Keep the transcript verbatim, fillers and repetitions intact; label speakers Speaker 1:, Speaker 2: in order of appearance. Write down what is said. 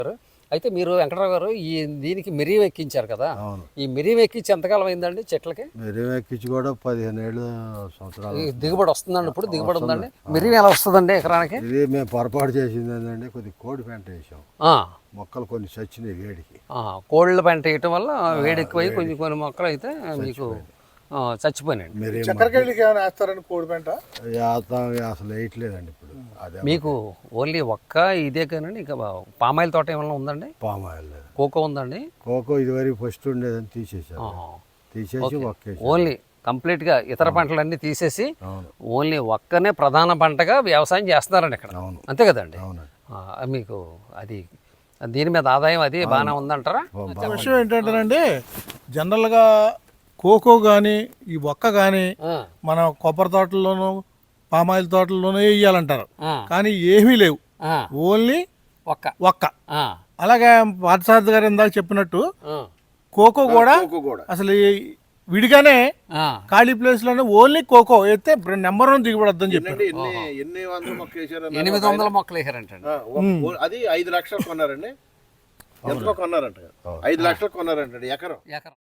Speaker 1: అయితే మీరు వెంకటరావు గారు ఈ దీనికి మిరియం ఎక్కించారు కదా, ఈ మిరియం ఎక్కించి ఎంతకాలం అయిందండి చెట్లకి?
Speaker 2: మిరియం ఎక్కించి కూడా పదిహేను ఏళ్ళు సంవత్సరాలు.
Speaker 1: దిగుబడి వస్తుందండి ఇప్పుడు? దిగుబడి ఉందండి. మిరియం ఎలా వస్తుందండి ఎకరానికి?
Speaker 2: ఇది మేము పొరపాటు చేసింది ఏంటంటే కొద్ది కోడి పెంట వేసాం, మొక్కలు కొన్ని చచ్చినాయి వేడికి.
Speaker 1: కోళ్ళ పెంట వేయటం వల్ల వేడి ఎక్కువై కొంచెం కొన్ని మొక్కలు అయితే మీకు చచ్చిపోయినాయండి.
Speaker 3: చక్కెరకేళికి ఏమైనా వేస్తారండి కోడి పెంట?
Speaker 2: అసలు వేయట్లేదండి ఇప్పుడు. అదే
Speaker 1: మీకు ఓన్లీ ఒక్క ఇదే కానండి, ఇంకా పామాయిల్ తోట ఏమైనా ఉందండి?
Speaker 2: పామాయిల్ లేదు.
Speaker 1: కోకో ఉందండి?
Speaker 2: కోకో ఇదివరకు ఫస్ట్ ఉండేదని తీసేసారు, తీసేసి ఒక్క
Speaker 1: ఓన్లీ కంప్లీట్ గా ఇతర పంటలన్నీ తీసేసి ఓన్లీ ఒక్కనే ప్రధాన పంటగా వ్యవసాయం చేస్తున్నారండి ఇక్కడ, అంతే కదండి? మీకు అది దీని మీద ఆదాయం అది బాగానే ఉందంటారా?
Speaker 3: విషయం ఏంటంటేనండి, జనరల్గా కోకో కానీ ఈ ఒక్క కానీ మన కొబ్బరి తోటల్లోనూ పామాయిల్ తోటల్లోనూ వేయాలంటారు, కానీ ఏమీ లేవు, ఓన్లీ
Speaker 1: ఒక్క
Speaker 3: ఒక్క. అలాగే పార్థసారథి గారు ఇందాక చెప్పినట్టు కోకో కూడా అసలు విడిగానే ఖాళీ ప్లేస్ లోనే ఓన్లీ కోకో అయితే నెంబర్ వన్ దిగుబడి వద్దని చెప్పారు.
Speaker 1: ఎనిమిది వందల మొక్కలు వేసారంట,
Speaker 4: అది ఐదు లక్షలు కొన్నారండి. ఎంతలో కొన్నారంట? ఐదు లక్షలు కొన్నారంట ఎకరం.